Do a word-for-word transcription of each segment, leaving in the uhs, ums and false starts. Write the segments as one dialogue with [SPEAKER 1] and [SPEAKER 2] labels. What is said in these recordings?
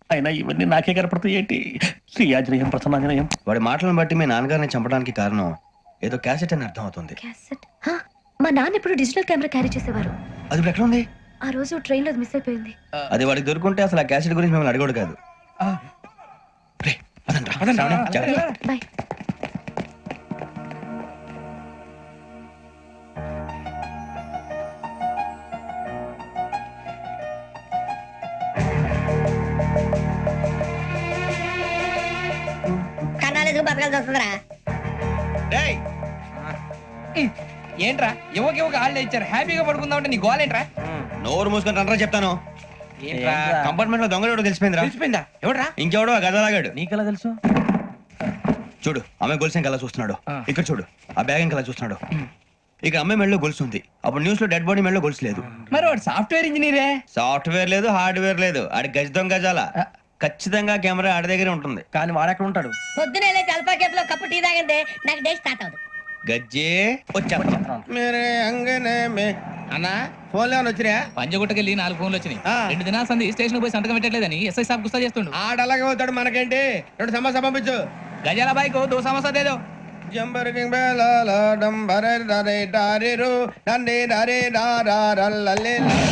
[SPEAKER 1] అయినా ఇవన్నీ నాకే కనపడతాయి ఏంటి? శ్రీ ఆంజనేయం ప్రసన్నాంజనేయం.
[SPEAKER 2] వాడి మాటలను బట్టి మీ నాన్నగారిని చంపడానికి కారణం ఏదో క్యాసెట్ అని అర్థం అవుతుంది.
[SPEAKER 3] క్యాసెట్? హా, మా నాన్న ఎప్పుడు డిజిటల్ కెమెరా క్యారీ చేసేవారు.
[SPEAKER 2] అది ఇప్పుడు ఎక్కడ ఉంది?
[SPEAKER 3] ఆ రోజు ట్రైన్ లో మిస్ అయిపోయింది.
[SPEAKER 2] అది వాడికి దొరుకుంటే అసలు ఆ క్యాసెట్ గురించి మిమ్మల్ని అడగడు కాదు. రే, పదండ్రా. శ్రావణి, జాగ్రత్త.
[SPEAKER 3] బాయ్.
[SPEAKER 4] కన్నాలేదు బతకాల్సి వస్తుందిరా.
[SPEAKER 5] ఏంట్రా ఎవరికి ఒక హాలిడే ఇచ్చారు, హ్యాపీగా పడుకుందాం అంటే నీ గోల్ ఏంట్రా?
[SPEAKER 2] నోరు మూసుకొని రండ్రా చెప్తాను.
[SPEAKER 5] ఏంట్రా
[SPEAKER 2] కంపార్ట్మెంట్ లో దొంగలు తెలిసిపోయిందిరా.
[SPEAKER 5] తెలిసిపోయిందా? ఎవడ్రా?
[SPEAKER 2] ఇంకెవడో ఆ గదలాగాడు.
[SPEAKER 1] నీకెలా తెలుసు?
[SPEAKER 2] చూడు, ఆమె గొలుసు ఇంకలా చూస్తున్నాడు. ఇక్కడ చూడు, ఆ బ్యాగ్ ఇంకలా చూస్తున్నాడు. ఇక అమ్మాయి మెడలో గొలుసు ఉంది. అప్పుడు న్యూస్ లో డెడ్ బాడీ మెడలో గొలుసు లేదు.
[SPEAKER 5] మరి వాడు సాఫ్ట్వేర్ ఇంజనీరే.
[SPEAKER 2] సాఫ్ట్వేర్ లేదు, హార్డ్వేర్ లేదు. ఆడి గజ దొంగ గజాల. ఖచ్చితంగా కెమెరా ఆడి దగ్గరే ఉంటుంది.
[SPEAKER 1] కానీ వాడెక్కడ ఉంటాడు?
[SPEAKER 4] పొద్దునే లేచి అల్ఫా కేఫ్ లో కప్పు టీ తాగిందే నాకు డే స్టార్ట్ అవుతుంది.
[SPEAKER 2] గజ్జే వచ్చా.
[SPEAKER 6] అన్నా ఫోన్ లో వచ్చినా
[SPEAKER 5] పంజగుట్టకెళ్ళి నాలుగు ఫోన్లు వచ్చినాయి. రెండు దినాల సంది స్టేషన్ పోయి సంతకం పెట్టలేదని ఎస్ఐ సాబ్ గుస్తా చేస్తుండు.
[SPEAKER 6] ఆడలాగే పోతాడు, మనకేంటి? రెండు సమస్య పంపించు.
[SPEAKER 5] గజాల బైక్ దో సమస్య దేదో.
[SPEAKER 6] Jumper king బేలాల డంబరే డరే డారిరు డండే డరే డారారల్లలే.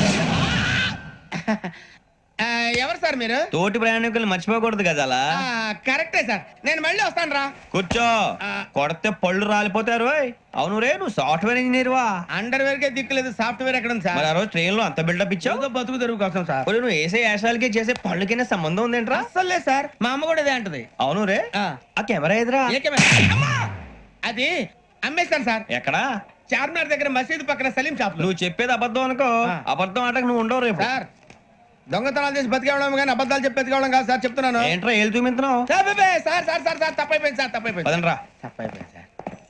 [SPEAKER 6] ఆ, ఎవరు సార్ మీరు?
[SPEAKER 2] తోటి ప్రయాణికులు మర్చిపోకూడదు గజాల.
[SPEAKER 6] ఆ, కరెక్టే సార్, నేను మళ్ళీ వస్తాను రా.
[SPEAKER 2] కూర్చో. కొడితే పళ్ళు రాలిపోతారు. అవును రే, నువ్వు సాఫ్ట్వేర్ ఇంజనీర్ వా?
[SPEAKER 6] అండర్ వేర్ కే దిక్కులేదు, సాఫ్ట్వేర్ ఎక్కడ ఉంది
[SPEAKER 2] మరి
[SPEAKER 6] సార్?
[SPEAKER 2] ఆ రోజు ట్రైన్ లో అంత బిల్డప్ ఇచ్చావు.
[SPEAKER 6] బతుకు తెరుగు కోసం సార్.
[SPEAKER 2] ఒరేయ్, నువ్వు వేసే యాశాలకి చేసే పళ్ళకైనా సంబంధం ఉందేంట్రా?
[SPEAKER 6] అస్సలు లేదు సార్, మా అమ్మ కూడా ఇదే అంటది.
[SPEAKER 2] అవును రే,
[SPEAKER 6] ఆ.
[SPEAKER 2] ఆ కెమెరా ఎదురా?
[SPEAKER 6] ఏ కెమెరా? అమ్మా! అది అమ్మేస్తాను సార్.
[SPEAKER 2] ఎక్కడా?
[SPEAKER 6] చార్మినార్ దగ్గర మసీదు పక్కన సలీం షాప్ లో.
[SPEAKER 2] నువ్వు చెప్పేది అబద్ధం అనుకో.
[SPEAKER 6] ఆ.
[SPEAKER 2] అబద్ధం ఆటకు నువ్వు ఉండవు రేపు.
[SPEAKER 6] సార్, దొంగతనాలు చేసి బతికేవడం కానీ అబద్ధాలు చెప్పి బతికేవడం కాదు సార్, చెప్తున్నాను.
[SPEAKER 2] ఏంట్రా ఏళ్ళు చూపించినావు?
[SPEAKER 6] సార్ బే, బే, సార్ సార్ సార్ సార్ తప్పైపోయింది సార్, తప్పైపోయింది.
[SPEAKER 2] పదండ్రా.
[SPEAKER 6] తప్పైపోయింది సార్.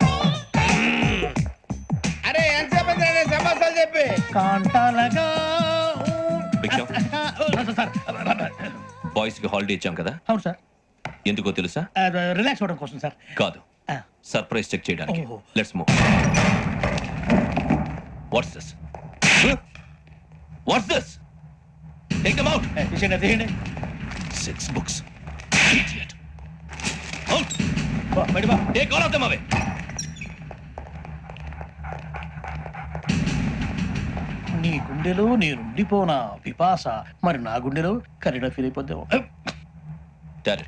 [SPEAKER 6] అరే ఎంతసేపు అయింది రా సమస్యలు చెప్పి?
[SPEAKER 1] కాంటాలగా
[SPEAKER 7] భిక్షం, బాయ్స్ కి హాలిడే ఇచ్చాం కదా,
[SPEAKER 1] అవును సార్.
[SPEAKER 7] ఎందుకో తెలుసా?
[SPEAKER 1] రిలాక్స్ అవ్వడం కోసం సార్.
[SPEAKER 7] కాదు, సర్ప్రైజ్ చెక్ చేయడానికి.
[SPEAKER 1] ఓహో.
[SPEAKER 7] Let's move. What's this? What's this? Take them out.
[SPEAKER 1] తీసేయండి, తీయండి.
[SPEAKER 7] Six books. Idiot. Out.
[SPEAKER 1] బయట బా.
[SPEAKER 7] Take all of them away.
[SPEAKER 1] నీ గుండెలో నేనుండిపోనా పిపాస, మరి నా గుండెలో కరీడా ఫీల్ అయిపోద్దాం.
[SPEAKER 7] Direct.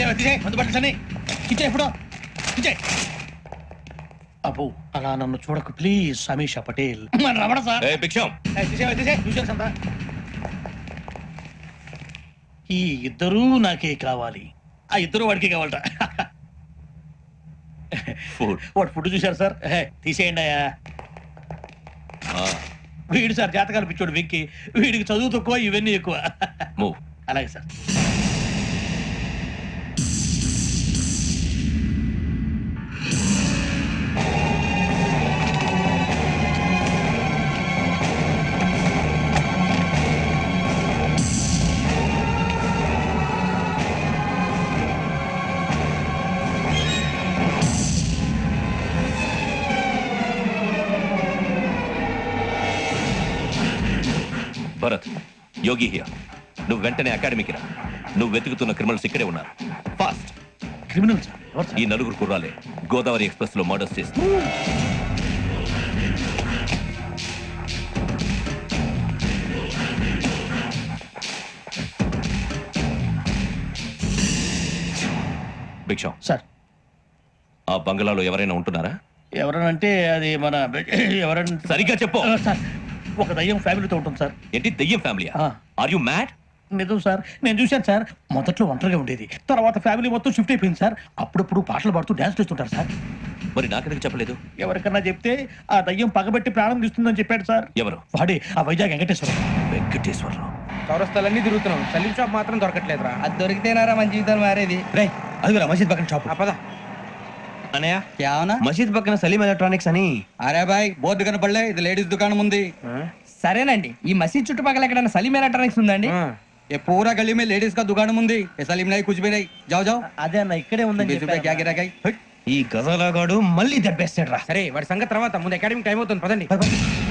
[SPEAKER 1] అబ్బో, అలా నన్ను చూడకు please. Samisha Patel. Ramana sir.
[SPEAKER 7] Hey, Bhiksham.
[SPEAKER 1] ఈ ఇద్దరూ నాకే కావాలి. ఆ ఇద్దరు వాడికే కావాలట.
[SPEAKER 7] Food.
[SPEAKER 1] వాడు ఫుడ్ చూశారు సార్. హే, తీసేయండి అయ్యా.
[SPEAKER 7] Ah,
[SPEAKER 1] వీడు సార్ జాతకాలు పిచ్చోడు వెక్కి. వీడికి చదువు తక్కువ, ఇవన్నీ ఎక్కువ.
[SPEAKER 7] move.
[SPEAKER 1] అలాగే సార్.
[SPEAKER 7] Bharat, Yogi here. నువ్వు వెంటనే అకాడమీకి రా. నువ్వు వెతుకుతున్న క్రిమినల్స్ ఇక్కడే ఉన్నారు. ఫాస్ట్.
[SPEAKER 1] Criminal sir? ఎవరు
[SPEAKER 7] ఈ
[SPEAKER 1] సార్?
[SPEAKER 7] నలుగురు కుర్రాలే గోదావరి ఎక్స్ప్రెస్ లో మర్డర్స్ చేస్తారు. భిక్షం,
[SPEAKER 1] సార్,
[SPEAKER 7] ఆ బంగ్లాలో ఎవరైనా ఉంటున్నారా?
[SPEAKER 1] ఎవరనంటే అది మన ఎవరంటే
[SPEAKER 7] సరిగ్గా చెప్పు.
[SPEAKER 1] సార్, ఒక దయ్యం ఫ్యామిలీతో ఉంటుంది సార్.
[SPEAKER 7] ఏంటి దెయ్యం ఫ్యామిలీ?
[SPEAKER 1] ఆ.
[SPEAKER 7] Are you mad?
[SPEAKER 1] నిజం సార్, నేను చూశాను సార్. మొదట్లో ఒంటరిగా ఉండేది, తర్వాత ఫ్యామిలీ మొత్తం షిఫ్ట్ అయిపోయింది సార్. అప్పుడప్పుడు పాటలు పాడుతూ డాన్స్ చేస్తుంటారు సార్.
[SPEAKER 7] మరి నాకెందుకు చెప్పలేదు?
[SPEAKER 1] ఎవరికన్నా చెప్తే ఆ దయ్యం పగబెట్టి ప్రాణం తీస్తుందని చెప్పాడు సార్.
[SPEAKER 7] ఎవరు?
[SPEAKER 1] వాడే, ఆ వైజాగ్ వెంకటేశ్వరం.
[SPEAKER 7] వెంకటేశ్వరరావు.
[SPEAKER 5] చౌరస్తాలన్నీ తిరుగుతున్నాం, సలీం షాప్ మాత్రం దొరకట్లేదురా. అది దొరికితేనారా మన జీవితాలు మారేది.
[SPEAKER 2] రే, అదిగురా మసీద్ పక్కన షాప్.
[SPEAKER 5] పద.
[SPEAKER 2] అనయ్య,
[SPEAKER 8] क्या होना?
[SPEAKER 2] మసీద్ పక్కన సలీం ఎలక్ట్రానిక్స్ అని.
[SPEAKER 8] अरे भाई बहुत दुकान पड़ ఇది లేడీస్ దుకాణం ఉంది.
[SPEAKER 5] సరేనండి, ఈ మసీద్ చుట్టుపక్కల ఎక్కడైనా సలీం ఎలక్ట్రానిక్స్ ఉందండి?
[SPEAKER 8] ये पूरा गली में लेडीज का दुकान ఉంది. ये सलीम नहीं कुछ भी नहीं. जाओ जाओ.
[SPEAKER 1] అదే అన్న, ఇక్కడే ఉందని
[SPEAKER 8] बीस रुपए क्या गिरा गई?
[SPEAKER 2] ఈ గజాలగాడు మళ్ళీ దెబ్బేస్తాడు రా.
[SPEAKER 5] సరే, వాడి సంగతి తర్వాత. ముందు అకాడమిక్ టైం అవుతుంది, పదండి.